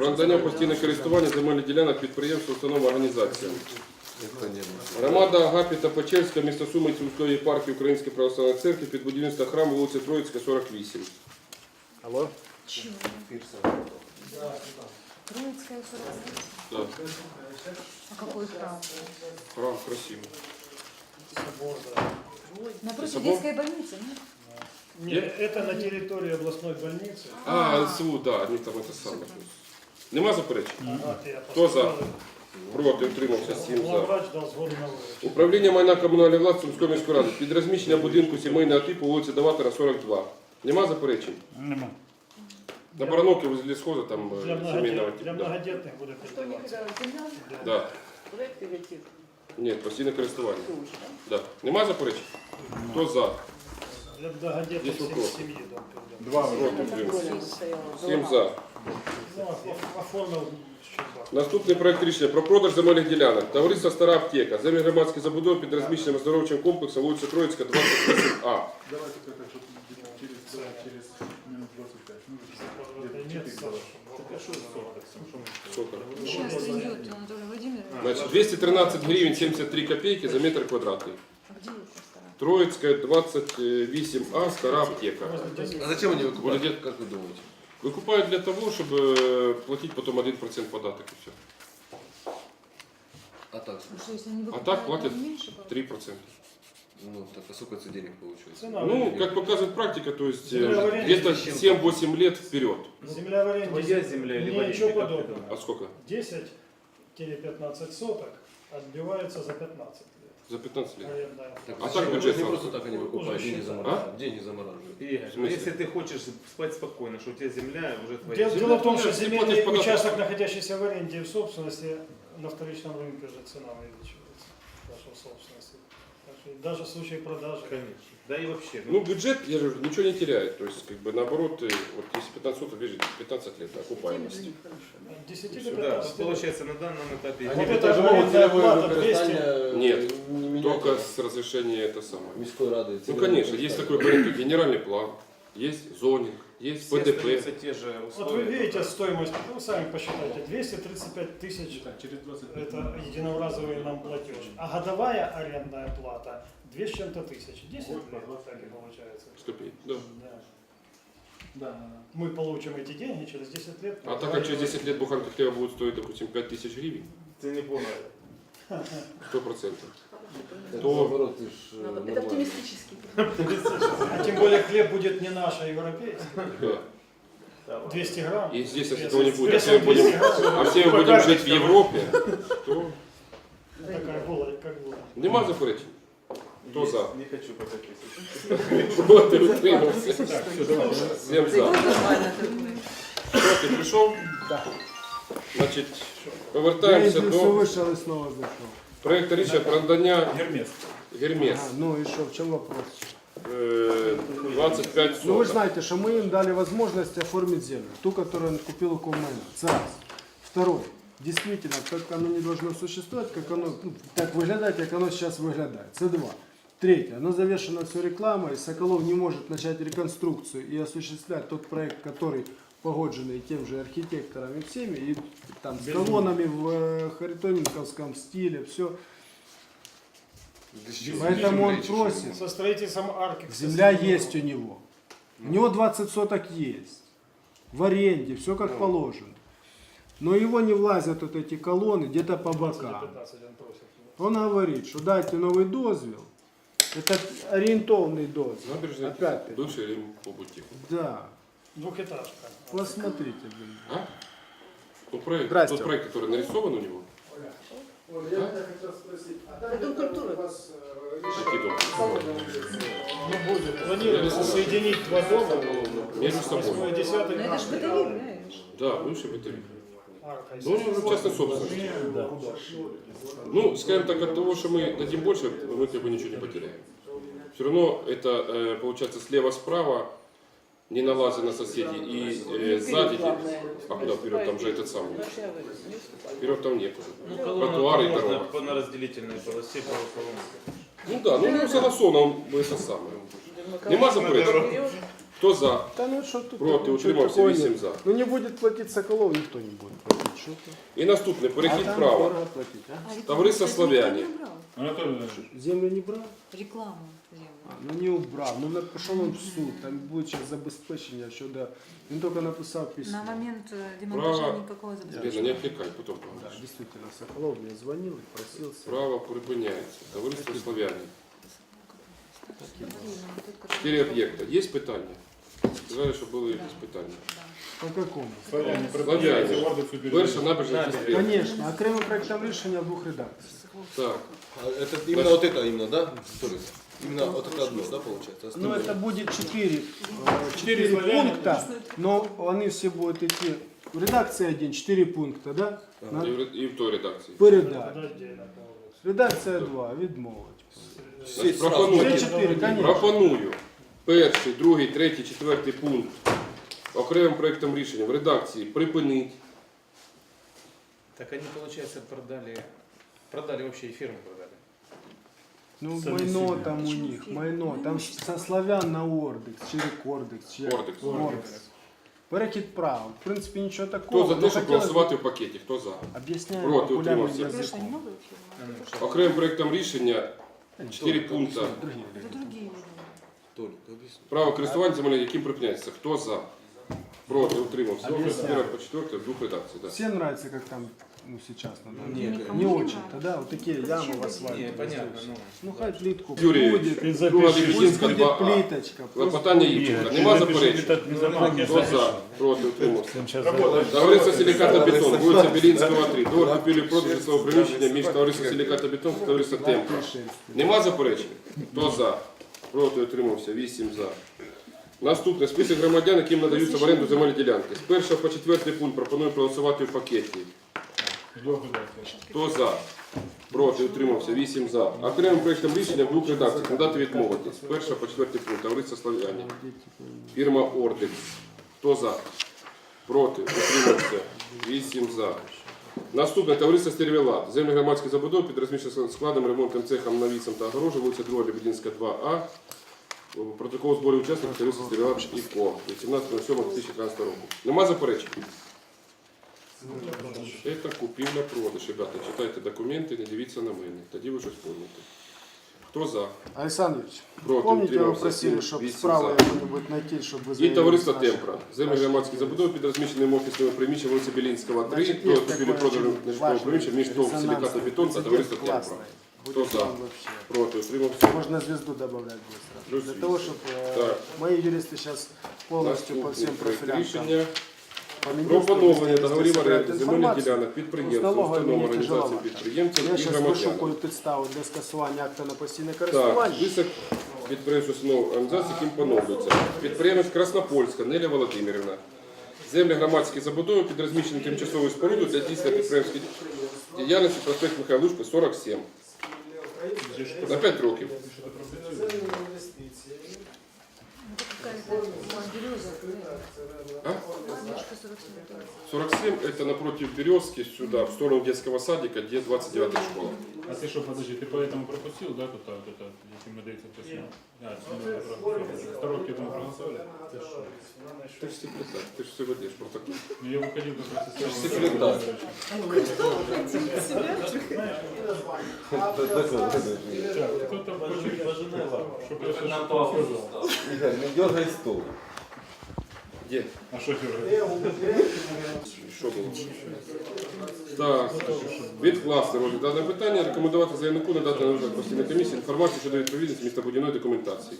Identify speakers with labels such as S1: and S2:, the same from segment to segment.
S1: Про надання постійне користування земельних ділянок підприємств, установ, організаціям. Громада Агапіта Печерська, місто Суми, Сумської єпархії Української православної церкви під будівництво храму вулиця Троїцька, 48.
S2: Алло?
S3: Чего? Троицкая 48?
S1: Да.
S3: А какой храм?
S1: Храм красивый.
S3: Напротив
S1: Собор?
S3: детской больницы, нет?
S2: Нет, это на территории областной больницы.
S1: СУ, да, они там это самое. Нема заперечень?
S2: Вот я
S1: Хто за?
S2: посмотрел.
S1: Проти, утримався, 7 за.
S2: Главврач дал сгоду на выручку.
S1: Управління майна комунальної власності Сумської міської ради під розміщення будинку сімейного типу вулиця Даватора, 42. Нема заперечень?
S4: Нема.
S1: На Барановке возле схоза там
S2: Для
S1: семейного типа.
S2: для
S1: Да.
S2: многодетных будет
S5: Что не
S2: передаваться.
S5: когда земля?
S1: Да.
S5: Проект или тип?
S1: Ні, постійне користування.
S5: Тоже, да?
S1: Да. Нема заперечень? Хто за?
S2: Для многодетных
S1: Есть вопрос?
S2: семьи дом передаваться.
S4: Два
S1: Проти,
S5: На
S1: утримався.
S5: контроле стояла.
S1: 7 за.
S2: Ну, оформил Щербак.
S1: Наступний проект рішення про продаж земельних ділянок. Товариство Стара аптека. Землі громадської забудови під розміщеним оздоровчим комплексом вулиця Троїцька, 28А.
S4: Давайте как-то через минут 25. Ну,
S2: Нет, Саша,
S1: Сколько?
S3: Сейчас придет Анатолий Владимирович.
S1: Значит, 213 гривен 73 копейки за метр квадратный.
S3: А где это стара?
S1: Троицкая, 28А, Стара аптека.
S6: А зачем они выкупают?
S1: Владет-
S6: Как вы думаете?
S1: Выкупают для того, чтобы платить потом 1% податок и все.
S6: А так,
S3: Ну что, если они
S1: А
S3: выкупают,
S1: так платят
S3: там меньше получается?
S1: 3%.
S6: ну так, а сколько это денег получается?
S2: Цена
S1: Ну,
S2: аренды.
S1: как показывает практика, то есть
S2: Земля в аренде
S1: где-то 7-8 лет вперед.
S2: Земля в аренде.
S4: Твоя земля или в аренде,
S2: Ничего
S4: как ты
S2: подобного.
S4: думаешь?
S1: А сколько?
S2: 10-15 соток отбиваются за 15 лет.
S1: За 15 лет.
S2: Арендная.
S6: Так,
S1: А
S6: зачем?
S1: так
S6: Это
S1: бюджет
S6: не
S1: сразу.
S6: просто так они выкупают,
S2: Уже
S6: деньги
S2: считают.
S6: замораживают. Деньги замораживают.
S4: Игорь,
S1: В
S4: ну
S1: смысле?
S4: если ты хочешь спать спокойно, что у тебя земля уже твоя.
S2: Дело в том, что
S1: Ты платишь
S2: земельный
S1: податок.
S2: участок, находящийся в аренде и в собственности, на вторичном рынке же цена увеличивается. Даже в собственности. Так что даже в случае продажи.
S4: Конечно. Да и вообще.
S1: Ну, бюджет, я же говорю, ничего не теряет. То есть, как бы наоборот, вот если 15 соток, видишь, 15 лет окупаемости.
S2: От 10 до
S4: да,
S2: 15 лет.
S4: получается на данном этапе.
S2: Вот
S6: Они
S2: это
S6: это
S2: же
S6: могут
S2: арендная
S6: целевое
S2: плата 200.
S6: використання
S1: Нет,
S6: не менять.
S1: Только с разрешения это самое.
S6: Міської ради.
S1: Ну,
S6: цільове
S1: конечно, есть
S6: використання.
S1: такой порядок, генеральный план, есть зонинг, есть
S4: Все
S1: ПДП.
S4: остаются те же
S2: Вот
S4: условия.
S2: вы видите стоимость, вы сами посчитайте, 235 тысяч
S4: Да, через 25.
S2: это единоразовый нам платеж. А годовая арендная плата 2 с чем-то тысяч. 10 лет так и получается.
S1: 105, да.
S2: Да.
S4: Да.
S2: Мы получим эти деньги через 10 лет.
S1: А так как через 10 лет буханка хлеба будет стоить, допустим, 5000 гривен,
S4: Ты не понял.
S1: 100%.
S6: Так,
S1: То-
S6: наоборот, ты ж,
S5: Надо-
S6: нормально.
S5: Это оптимистический.
S2: А тем более хлеб будет не наш, а европейский.
S1: Да.
S2: 200 грамм.
S1: И здесь, если
S2: Весом-
S1: этого не будет, а
S2: весом
S1: все, мы
S2: 200
S1: будем,
S2: грамм.
S1: а все мы будем жить в Европе, то
S2: Такая была, как была.
S1: нема заперечень. Кто за?
S4: Не хочу по 5000.
S1: Проти, утримався.
S4: Так, все, давай.
S1: Всем за.
S5: Нормально такое.
S1: Що, ти прийшов? Так. Значить, повертаємося до
S7: вышел и снова зашел.
S1: проекту рішення про надання
S4: Гермес.
S1: Гермес.
S7: Ну и что, в чем вопрос?
S1: 25
S7: Ну вы же
S1: соток.
S7: знаете, что мы им дали возможность оформить землю, ту, которую он купил у Коммайна. Это раз. Второй. Действительно, как оно не должно существовать, как оно, ну, так выглядать, как оно сейчас выглядает. Это два. Третье. Оно завешено все рекламой, Соколов не может начать реконструкцию и осуществлять тот проект, который погодженный тем же архитектором и всеми, и там с колоннами в харитоненковском стиле, все. Поэтому он просит.
S2: Со строительством арки.
S7: Земля есть у него. У него 20 соток есть. В аренде, все как положено. Но его не влазят вот эти колонны где-то по бокам.
S2: 15 он просит.
S7: Он говорит, что дайте новый дозвел. Это ориентованный дозвел.
S1: Набережная
S7: Опять-таки.
S1: бывший Рим Побутик.
S7: Да.
S2: Двухэтажка.
S7: Посмотрите, блин.
S1: А? Ну, проект,
S7: Здрасте.
S1: тот проект, который нарисован у него.
S7: Я хотел спросить, а
S5: Дом культуры.
S1: Какие дома?
S2: Ну, будет. Планируется соединить два дома.
S1: Между
S2: 8
S1: собой.
S2: и 10
S3: Ну это ж бытовик, знаешь.
S1: Да, бывший бытовик.
S2: арка.
S1: Ну, у него уже частная собственность. Ну, скажем так, от того, что мы дадим больше, мы как бы ничего не потеряем. Все равно это получается слева-справа, не налазя на соседей, и сзади, а куда вперед, там же этот самый, вперед там нет
S4: Ну,
S1: уже.
S4: колонна
S1: Тротуары и
S4: можно
S1: дорога.
S4: на разделительной полосе полуколонки.
S1: Ну да, ну у него согласовано, он это самое. Нема заперечень? Кто за?
S7: Да ну что тут?
S1: Проти,
S7: ничего
S1: утримався,
S7: такого
S1: 8
S7: нет.
S1: за.
S7: Ну не будет платить Соколов, никто не будет платить. Что ты?
S1: І наступне,
S7: А
S1: перехід
S7: там
S1: права.
S7: дорого платить, а?
S3: А рекламу,
S1: Товариство
S3: кстати, никто
S1: «Славяне».
S3: не убрал.
S4: Анатолий,
S7: Землю не брал?
S3: Рекламу землю.
S7: Ну не убрав. Ну пішов він в суд, там буде зараз забезпечення щодо. Він тільки написав письмо.
S3: На момент демонтажа
S1: Право.
S3: никакого
S1: Лена,
S3: забезпечения.
S1: не отвлекай, потом
S7: Да,
S1: поговоришь.
S7: действительно, Соколов мне звонил и просился.
S1: Право припиняється. Товариство «Славяне».
S3: Блин, ну, тут как-то-
S1: 4 об'єкта. Є питання? Сказали, що були якісь питання.
S7: По какому?
S4: Славяне,
S1: Славяне.
S4: Ордексу
S1: Перша набережна Кіспір.
S7: Конечно, окремим проектом рішення в двух редакціях.
S1: Так.
S6: А это именно вот это именно, да? Торис? Именно вот это одно, да, получается?
S7: Ну
S6: Остальное-
S7: это будет 4
S4: Четыре славяне.
S7: пункта, но они все будут идти в редакции 1, 4 пункта, да? На
S1: І в той редакції.
S7: передачу.
S2: Подожди,
S7: Редакція 2, відмовить.
S6: Все сразу.
S1: Пропоную.
S7: Все 4, конечно.
S1: Пропоную перший, другий, третій, четвертий пункт окремим проектом рішення в редакції припинити.
S8: Так они, получается, продали вообще и фирму продали.
S7: Ну,
S4: Сами
S7: майно
S4: себе.
S7: там у них, майно. Там со славян на Ордекс, через Кордекс. через
S1: Ордекс.
S7: Ордекс. Перехід прав. В принципі, нічого
S1: Хто
S7: такого.
S1: за
S7: но
S1: те, щоб
S7: хотілося б-
S1: голосувати в пакеті? Хто за?
S7: Об'ясняю
S1: Проти,
S7: популярним
S1: утримався.
S3: Конечно, не
S7: язиком.
S3: новая фирма.
S1: Окремим проектом рішення 4 пункти.
S3: Это другие уже.
S6: Толик, объясни.
S1: Право користування землею, яким припиняється. Хто за? Проти, утримався.
S7: Об'ясняю.
S1: З 1 по 4 в двох редакціях. Да.
S7: Всем нравится, как там ну, сейчас на данный
S6: Не,
S7: момент?
S3: Никому
S7: Не
S3: не
S7: очень-то,
S3: нравится.
S7: да? Вот такие ямы
S3: Зачем
S7: в асфальте.
S8: Не, понятно,
S7: здесь.
S8: ну.
S7: Ну, хай плитку
S1: Юрій,
S7: будет.
S2: Ты
S1: друга
S2: запиши.
S1: Дебетинська
S7: Пусть будет
S1: 2А.
S7: плиточка. пусть
S1: Клопотання
S7: будет.
S1: Івченка.
S2: Ты
S1: Нема
S2: запиши,
S1: заперечень.
S2: этот не забудь.
S1: Хто за? Проти, утримався.
S2: Сейчас
S1: Товариство «Силиката Бетон», вулиця Білінського, 3. Договір купівлі-продажу свого приміщення між товариством «Силиката Бетон» та товариством «Темпа». Нема заперечень? Хто за? Проти, утримався. 8 за. Наступне. Список громадян, яким надаються в оренду земельні ділянки. З 1 по 4 пункт пропоную проголосувати в пакеті. Хто за? Проти, утримався. 8 за. Окремим проєктом рішення в двох редакціях. Надати відмовити. З 1 по 4 пункт. Товариство «Славяне». Фірма «Ордекс». Хто за? Проти, утримався. 8 за. Наступне товариство «Стервелат». Землі громадських забудов під розміщеним складом, ремонтним цехом, навісом та огорожем, вулиця 2 Лебединська, 2А. Протокол збору учасників товариства «Стервелат» і КО. Від 17.07.2013 року. Нема заперечень? Це купівля-продаж. Ребята, читайте документи, не дивіться на мене. Тоді ви щось поймете. Хто за?
S7: Александрович,
S1: Проти,
S7: помните, вы
S1: утримався.
S7: просили,
S1: 7,
S7: чтобы
S1: 8
S7: справа
S1: за.
S7: кто-нибудь найти, чтобы
S1: І товариство «Темпра». Землі громадських забудов під розміщеним офісними приміщенням вулиці Білінського, 3,
S7: Значит,
S1: до
S7: есть
S1: купівлі-продажу нежитлового приміщення між ТОВ «Силиката Бетон» та товариство «Темпра».
S7: Кто
S1: Хто за? Проти, утримався.
S7: Можно звезду добавлять быстро.
S1: Плюс
S7: Для
S1: вид.
S7: того, чтобы
S1: Так.
S7: мои юристы сейчас полностью по всем
S1: Наступний проект
S7: профилям
S1: рішення
S7: по
S1: про поновлення
S7: министерству
S1: договорів
S7: собирают
S1: оренди земельних
S7: информацию.
S1: ділянок підприємцям,
S7: Налогові
S1: установам,
S7: мені тяжело.
S1: організаціям підприємцям
S7: Я
S1: і
S7: сейчас
S1: громадянам.
S7: вишукую підставу для скасування акта на постійне
S1: Так,
S7: користування.
S1: список підприємств, установ, організацій, яким поновлюється. Підприємець Краснопольська Неля Володимирівна. Землі громадські забудови під розміщенням тимчасової споруди для здійснення підприємської діяльності проспект Михайла Лужка, 47. На 5 років.
S3: Это какая-то береза.
S1: А?
S3: Немножко 47.
S1: 47 это напротив Березки, сюда, в сторону детского садика, где 29-я школа.
S4: А ты что, подожди, ты поэтому пропустил, да, тут вот это, если мы дается письмо? Коробки там проголосовали?
S1: Ты же секретарь, ты же все выдаешь протокол.
S4: Ну, я выходил как раз из
S6: Секретарь.
S4: Так, кто там хочет, чтобы я сейчас сказал?
S6: Игорь, не дергай стол.
S1: Где?
S4: А что делать?
S1: Що було? Так, відкласти розгляд дане питання, рекомендувати заявнику надати на розгляд постійної комісії інформацію щодо відповідності містобудівної документації.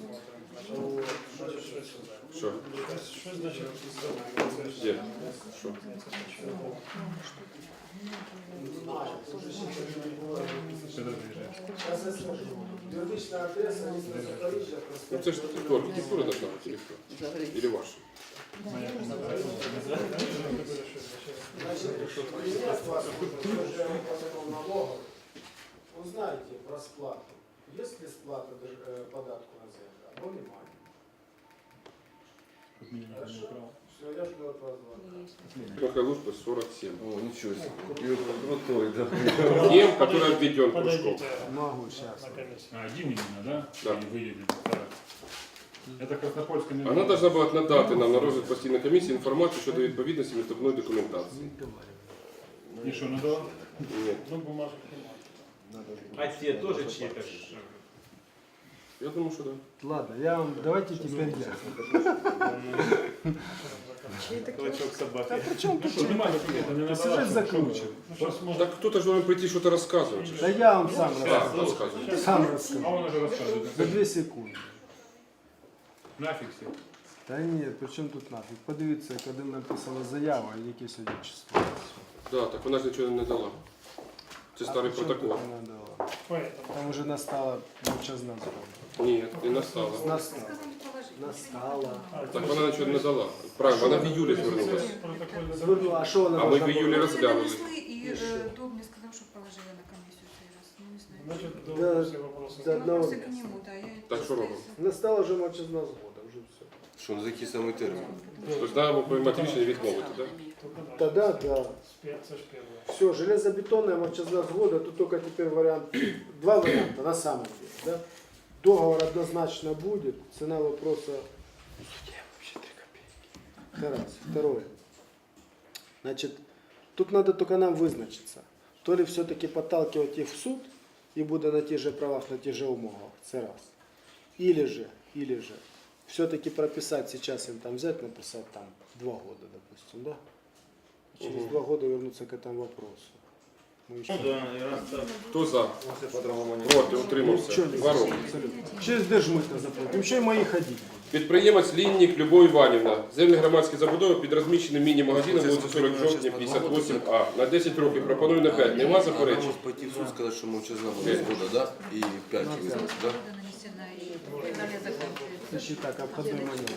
S1: Що?
S2: Что значит?
S1: Де? Що?
S4: Когда заезжаешь?
S1: Ну це ж хто, архітектура должна бути или хто? Или ваша?
S7: Узнайте про сплату. Есть ли сплата податку на землю? Або немає.
S4: Как минимум, не украл.
S7: Все, я жду от вас звонка.
S1: Михаил Лужко, 47.
S6: О, ничего себе. Крутой, да.
S1: Тем, который обведен кружком.
S2: Подойдите
S7: Могу сейчас.
S2: на комиссию.
S4: А, один именно, да?
S1: Да.
S4: Или выедем? Так. Это Краснопольская не
S1: Она должна була надати нам на розгляд постійної комісії інформацію щодо відповідності містобної документації.
S4: И что, надо?
S1: Ні.
S2: Ну, бумажек немає.
S4: А те тоже чьи-то?
S1: Я думаю, що так.
S7: Ладно, давайте теперь я.
S4: Клочок собаки.
S7: Причем тут
S4: Что, нема документа, не
S7: сюжет
S4: надо.
S7: закручен.
S2: Ну, сейчас можно...
S1: Так хто-то ж должен прийти щось розказувати.
S7: Да я вам сам
S1: Так,
S7: расскажу.
S1: розказуй.
S7: Сам
S4: А
S7: расскажу.
S4: он уже рассказывает.
S7: За 2 секунды.
S4: Нафиг все.
S7: Та ні, при чому тут нафіг? Подивіться, коли написана заява, і яке сьогодні число.
S1: Да, так вона ж нічого не дала. Це старий
S7: А при чому
S1: протокол.
S7: тут вона дала?
S2: Поэтому.
S7: Там уже настала мовчазна згода.
S1: Ні, не настала.
S7: Настала. Настала.
S1: Так вона нічого не дала. Правильно, вона в июлі звернулася.
S2: Протокольный
S7: Звернула, а що вона
S1: А ми
S7: должна
S1: в июлі
S7: була?
S1: розглянули.
S3: И Дуб мне сказал, что положили на комиссию в сей раз. Ну, не знаю.
S2: Значит,
S7: Да,
S2: до все вопросы.
S7: да. одного
S3: Вопросы к
S7: места.
S3: нему, да. Я
S1: Так что робимо?
S7: Настала вже мовчазна згода, вже все.
S6: Що, на який самий термін?
S1: Тобто треба приймати рішення відмовити, так?
S2: Только
S7: Та
S2: дальше.
S7: да.
S2: Это ж первое.
S7: Все, железобетонная мовчазна згода, тут только теперь вариант, два варианта на самом деле. Да? Договор однозначно будет, цена вопроса вообще 3 копейки. Раз. Второе. Значит, тут надо только нам вызначиться. То ли все-таки подталкивать их в суд и будет на тех же правах, на тех же умовах. Это раз. Или же все-таки прописать сейчас им там взять, написать там 2 года, допустим, да? Через 2 года вернуться к этому вопросу. Мы еще...
S1: Хто за? Проти, утримався.
S7: Ничего не
S1: 2 роки.
S7: абсолютно. Через держмито заплатим. Ще й мої ходіть.
S1: Підприємець Ліннік Любов Іванівна. Землі громадські забудови під розміщеним міні-магазином вулиця 40 жовтня, 58А. На 10 років. Пропоную на 5. Нема
S6: Вона
S1: заперечень?
S6: може пойти в суд, сказати, що мовчазна була згода, да? І 5 визнати, да?
S3: нанесена и в феврале заканчивается.
S7: Це ще так, обходний маневр.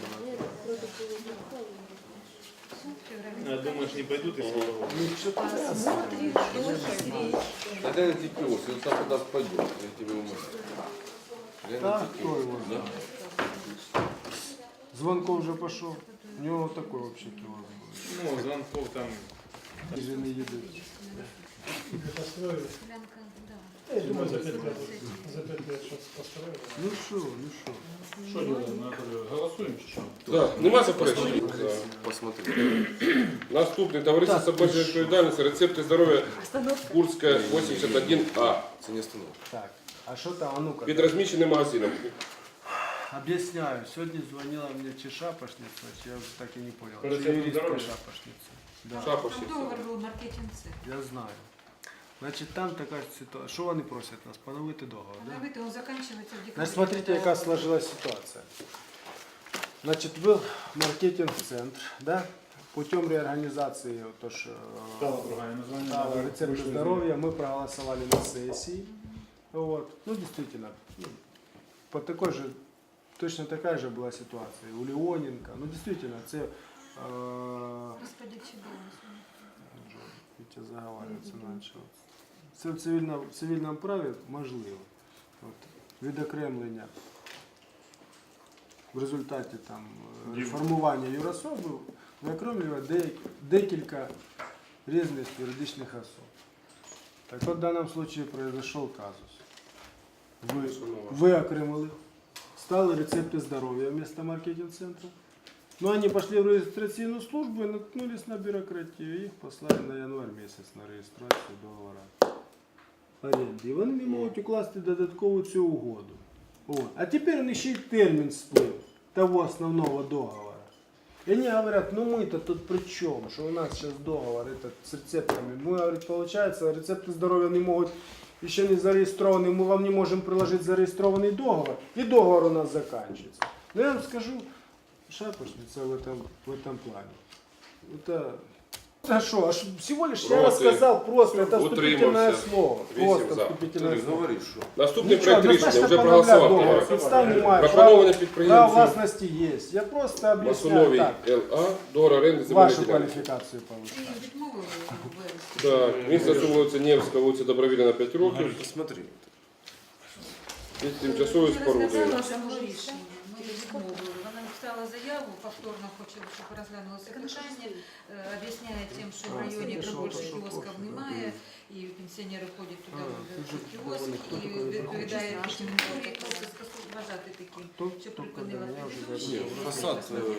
S4: А думаешь, не пойдут из суда?
S7: Ну, що там?
S3: Смотришь, дольше,
S6: Тогда на ТПО, если он сам туда пойдет, я тебе умоляю.
S7: Так, хто його
S6: Да?
S7: знає? Звонков вже пішов. У нього такой вообще кілос буде.
S4: Ну, звонков там.
S7: Вже не їдуть.
S2: Построили.
S3: Солянка, да.
S2: Я думаю, за 5 лет что-то построили.
S7: Ну що, ну що?
S4: Что делаем, Анатолий? Голосуем чи що?
S1: Так, нема заперечень?
S6: Посмотри.
S1: Наступний. Товариство з обмеженою відповідальністю. Рецепти здоров'я Курська 81А.
S6: Це не остановка.
S7: Так, а що там, а ну-ка.
S1: Під розміщеним магазином.
S7: Объясняю. Сегодня звонила мне чи шапошница, чи я уже так и не понял.
S4: По рецепту
S7: Чи юристка
S4: здоровья?
S7: шапошница. Да,
S3: Там
S1: Шапошниця.
S3: договор был маркетинг-цех.
S7: я знаю. Значит, там такая ситуация. Что они просят нас? Поновити договор, да?
S3: Она он заканчивается в декабре.
S7: Значит, смотрите, яка сложилась ситуация. Значит, был маркетинг-центр, да? Путем реорганизации, то, что
S4: Стало другое название.
S7: стало
S4: надо
S7: рецепты
S4: вышло из
S7: здоровья, мы проголосовали на сессии. Вот. Ну, действительно, ну, по такой же, точно такая же была ситуация у Леоненко. Ну, действительно, це...
S3: Господи, чего
S7: Вітя заговарюватися почав. Це в цивільному праві можливо. От, відокремлення в результаті там, формування юрособи виокремлює декілька різних юридичних особ. Так от в даному випадку произошел казус. Ви окремили, стали рецепти здоров'я вместо маркетинг-центру. Но они пошли в регистрационную службу и наткнулись на бюрократию. Их послали на январь месяц на реєстрацію договора оренди. І вони не можуть укласти додаткову цю угоду. О. А теперь он ще й термін сплив того основного договора. И они говорят, ну мы-то тут при чем, что у нас сейчас договор этот с рецептами. Мы, говорит, получается, рецепты здоровья не могут, еще не зарегистрованные, мы вам не можем приложить зарегистрованный договор, и договор у нас заканчивается. Но я вам скажу, шапошница в этом плане. Это что, всего лишь я
S1: Проти.
S7: рассказал просто, это вступительное
S1: Утримався.
S7: слово.
S1: 8
S7: Просто
S1: за.
S7: вступительное
S6: Ти
S7: слово.
S6: говориш, що?
S1: Наступний
S7: Нічого,
S1: проект рішення
S7: однозначно
S1: вже
S7: поновляв
S1: проголосував.
S7: договор. Підстав немає,
S1: Пропоноване
S7: право
S1: підприємцю
S7: власності есть. Я просто объясняю
S1: Масоновій
S7: так,
S1: ЛА, договор оренди земельної
S7: вашу
S1: ділянки.
S7: квалификацию повышать.
S3: И відмовили в вересні.
S1: Так, місто вулиця Невська, вулиця Добровільна 5 років.
S6: Посмотри.
S1: Під тимчасовою спорудою.
S3: Розказала, що було рішення. Ми відмовили. Вона написала написала заяву, повторно хоче, щоб розглянулося питання, об'ясняє тим, що в районі більше кіосків немає, і пенсіонери ходять туди в кіоск, і відповідає території, просить вважати таким, що припинила предыдущий.
S6: Фасад,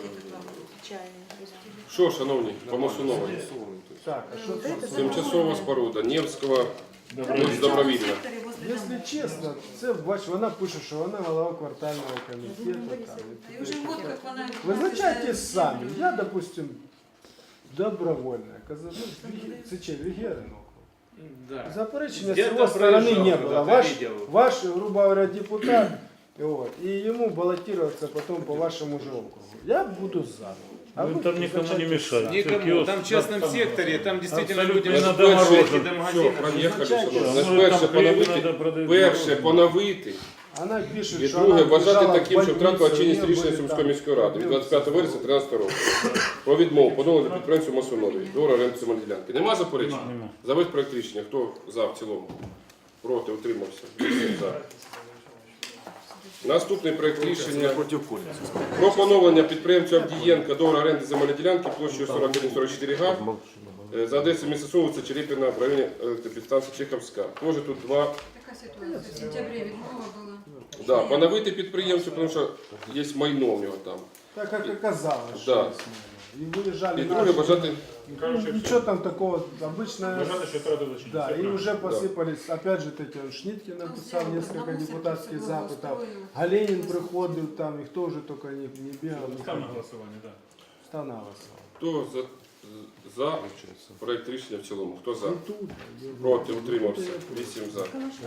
S1: Що, шановні, по Масуновій?
S7: Так, а что тут?
S1: Тимчасова споруда, Невського, добровільно.
S7: Если честно, це, бач, вона пише, що вона голова квартального комітету. Там,
S3: І вже год, як вона...
S7: Визначайте самі. Я, допустим, добровольно. Ну, це че, Вегерин округ.
S8: Да.
S7: Заперечення з
S8: Где-то
S7: его стороны
S8: проезжал
S7: не
S8: когда-то,
S7: было.
S8: видел.
S7: Ваш, грубо говоря, депутат, вот, и ему баллотироваться потом по вашему же округу. Я буду за. А
S4: Ну,
S7: вы
S4: там никому не
S7: визначайте
S4: мешает.
S7: самі.
S8: Никому. Там в частном секторе, там действительно
S4: Абсолютно
S8: людям
S4: не
S8: до
S4: надо
S8: до
S1: Все,
S8: магазина.
S1: проїхали, шановні.
S7: Визначайте.
S1: Значить, перше
S4: Там
S1: перше поновити,
S7: Вона пише,
S1: і
S7: що
S1: друге
S7: вона
S1: вважати
S7: біжала
S1: таким,
S7: в
S1: що втратила
S7: больницю,
S1: чинність
S7: у неї
S1: рішення
S7: були
S1: Сумської
S7: там
S1: міської ради від 25 вересня 2013 року про відмову поновлення підприємцю Масуновій до оренди земельної ділянки. Нема заперечень?
S4: Нема.
S1: За весь проект рішення. Хто за в цілому? Проти, утримався. 8 за. Наступний проект рішення про поновлення підприємцю Авдієнка договору оренди земельної ділянки площею 41-44 га за адресою міста Суми, вулиця Черепіна в районі електропідстанції Чеховська. Тоже тут два.
S3: Така ситуація. В сентябрі відмова була.
S1: Да, поновити підприємцю, тому що є майно в нього там.
S7: Так как оказалось,
S1: Да.
S7: что есть. И выезжали
S1: І друге
S7: наши.
S1: бажати,
S7: Ничего там такого, обычно,
S4: Вважати, що треба зачинити.
S7: да,
S4: Все
S7: и
S4: правильно.
S7: уже посыпались, опять же, таки, он Шниткин написал
S3: Ну,
S7: несколько
S3: на мусорке
S7: депутатских
S3: все
S7: запитов,
S3: благоустроил.
S7: Галенин приходил там, и кто уже только не бегал.
S4: Став на голосування, так.
S7: Став на голосование.
S1: хто за проект рішення в цілому? Хто за?
S7: И тут,
S1: Проти, утримався. 8 за.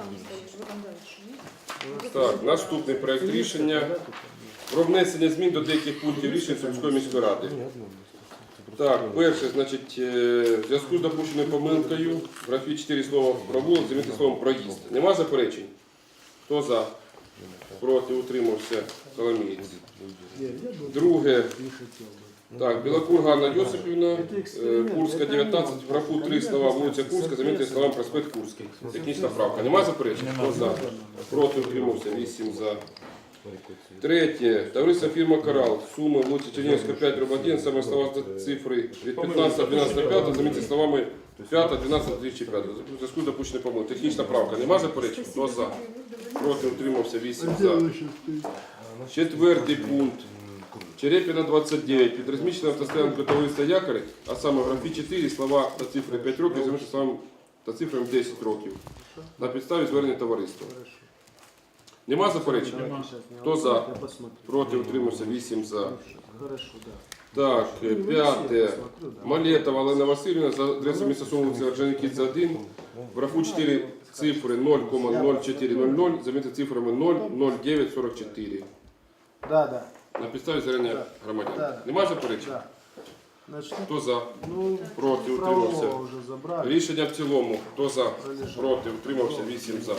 S1: Так, наступний проект рішення про внесення змін до деяких пунктів рішень Сумської міської ради. Так, перше, значить, в зв'язку з допущеною помилкою в графі 4 слова «провулок» замінити словом «проїзд». Нема заперечень? Хто за? Проти, утримався. Коломієць. Друге,
S7: не хотел бы.
S1: так, Білокур Ганна Йосипівна, Курська, 19, в графу 3 слова «вулиця Курська» замінити словами «проспект Курський». Технічна правка. Нема заперечень? Хто за? Проти, утримався. 8 за. Третє. Товариство фірма «Корал». Суми вулиця Чернігівська, 5, дроб 1, саме слова з цифри від 15-12-5 замінити словами 5-12-2005. У зв'язку з допущеною помилкою. Технічна правка. Нема заперечень? Хто за? Проти, утримався. 8 за. Четвертий пункт. Черепіна 29. Під розміщеним автостоянкою товариства «Якорь», а саме в графі 4 слова та цифри 5 років замінити словами та цифрами 10 років. На підставі звернення товариства. Нема заперечень?
S7: Давайте сейчас не
S1: Кто за?
S7: я посмотрю.
S1: Проти, утримався. 8 за.
S7: Хорошо, да.
S1: Так, п'яте. Малетова Олена Васильівна за адресою міста Суми, вулиця Орджонікідзе 1. В графу 4 цифри 0,0400 замінити цифрами 0,0944.
S7: Да, да,
S1: На підставі звернення громадян.
S7: Да.
S1: Нема заперечень?
S7: да. Значит,
S1: Хто за?
S7: ну,
S1: Проти,
S7: правового
S1: утримався.
S7: уже забрали.
S1: Рішення в цілому. Хто за? Проти, утримався. 8 за.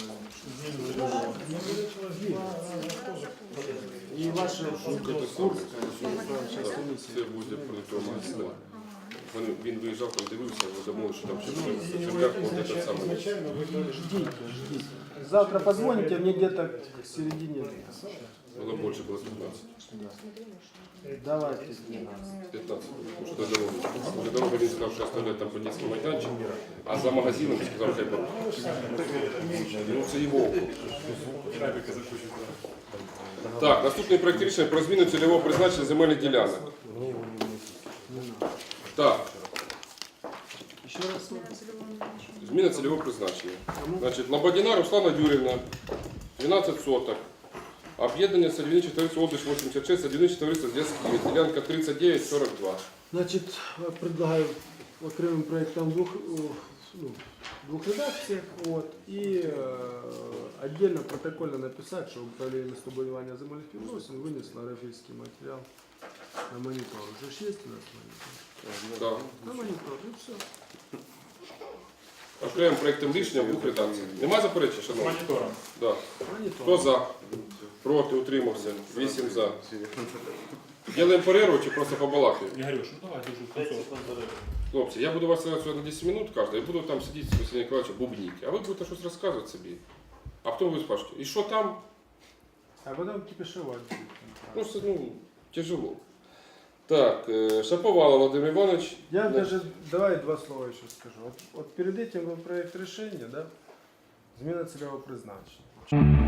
S7: И ваша Курская, сейчас
S1: Так, це буде продуктовий магазин. Він виїжджав, там дивився, ми думали, що там ще в черв'ях буде те саме.
S7: ждите, ждите. Завтра позвоните мне где-то к середине.
S1: Було більше, було 15.
S7: Давайте 12.
S1: 15, тому що до дороги. До дороги він сказав, що оставляє там подільський майданчик, а за магазином сказав, хай порушить. Ну це його округ. Так, наступний проект рішення про зміну цільового призначення земельних ділянок. Так,
S7: Еще раз.
S1: зміна цільового призначення. Значить, Лободіна Руслана Юрівна, 12 соток. Об'єднання садівниче товариство «Область 86», садівниче товариство «Зв'язки», ділянка 39-42.
S7: Значит, предлагаю окремым проектом двух редакциях, вот, и отдельно протокольно написать, что управление местобудування земельных відносин вынесло графический материал на монитор. Уже ж есть у нас монитор?
S1: Так.
S7: На монитор, и все.
S1: Окремим проектом рішення в двох редакціях. Нема заперечень, шановні?
S4: Монітором.
S1: Да.
S7: Монитор.
S1: Хто за? Проти, утримався. 8 за. Ділаємо перерву чи просто побалакаємо?
S4: Ігорюш, ну давай дуже концов.
S1: Хлопці, я буду вас сьогодні на 10 минут кожен, і буду там сидіти з Василем Николаевичем бубніть. А ви будете щось розказувати собі. А потім ви спрашиваєте, і що там?
S7: А потом кипишевать.
S1: Просто, ну, Тяжело. Так, Шаповалов Владимир Иванович.
S7: Я
S1: Да.
S7: даже, давай два слова еще скажу. Вот перед этим был проект решения, да, зміна цільового призначення.